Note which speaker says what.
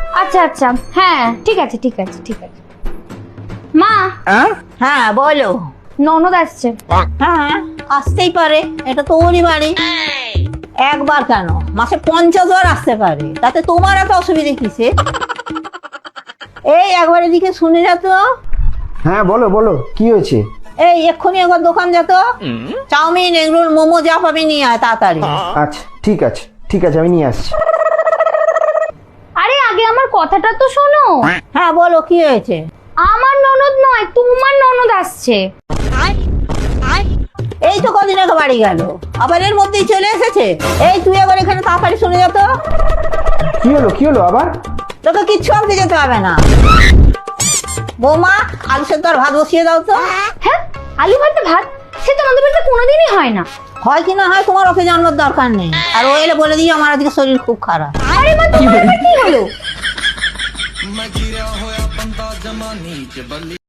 Speaker 1: আচ্ছা আচ্ছা, হ্যাঁ ঠিক আছে ঠিক আছে ঠিক আছে। মা,
Speaker 2: হ্যাঁ বলো।
Speaker 1: ননদ আসছে।
Speaker 2: হ্যাঁ আসতেই পারে, এটা তো ওরই বাড়ি। একবার কেন, মাসে 50 বার আসতে পারে, তাতে তোমার এত অসুবিধা কিসে? এই একবার এদিকে শুনে যা তো।
Speaker 3: হ্যাঁ বলো বলো, কি হয়েছে?
Speaker 2: এই এক্ষুনি একবার দোকান যেত, চাউমিন এগরোল মোমো যা পাবি নিয়ে আয় তাড়াতাড়ি।
Speaker 3: আচ্ছা ঠিক আছে ঠিক আছে, আমি নিয়ে আসছি।
Speaker 1: আরে আগে আমার কথাটা তো শোনো।
Speaker 2: হ্যাঁ বলো কি হয়েছে?
Speaker 1: আমার ননদ নয়, তোমার ননদ আসছে।
Speaker 2: এই তো কদিন আগে বাড়ি গেল, আবার এর মধ্যেই চলে এসেছে। এই তুই একবার এখানে তাড়াতাড়ি শুনে যা তো।
Speaker 3: কি হলো আবার?
Speaker 2: তোকে কিচ্ছু আনতে যেতে হবে না। বৌমা, আলু সেদ্ধ আর ভাত বসিয়ে দাও তো।
Speaker 1: হ্যাঁ, আলু ভাতে ভাত? সে তো আমাদের বাড়িতে কোনোদিনই হয় না।
Speaker 2: হয় কি না হয় তোমার ওকে জানানোর দরকার নেই। আর ও এলে বলে দিই আমার আজকে শরীর খুব খারাপ।
Speaker 1: আরে মা, তোমার আবার কি হলো?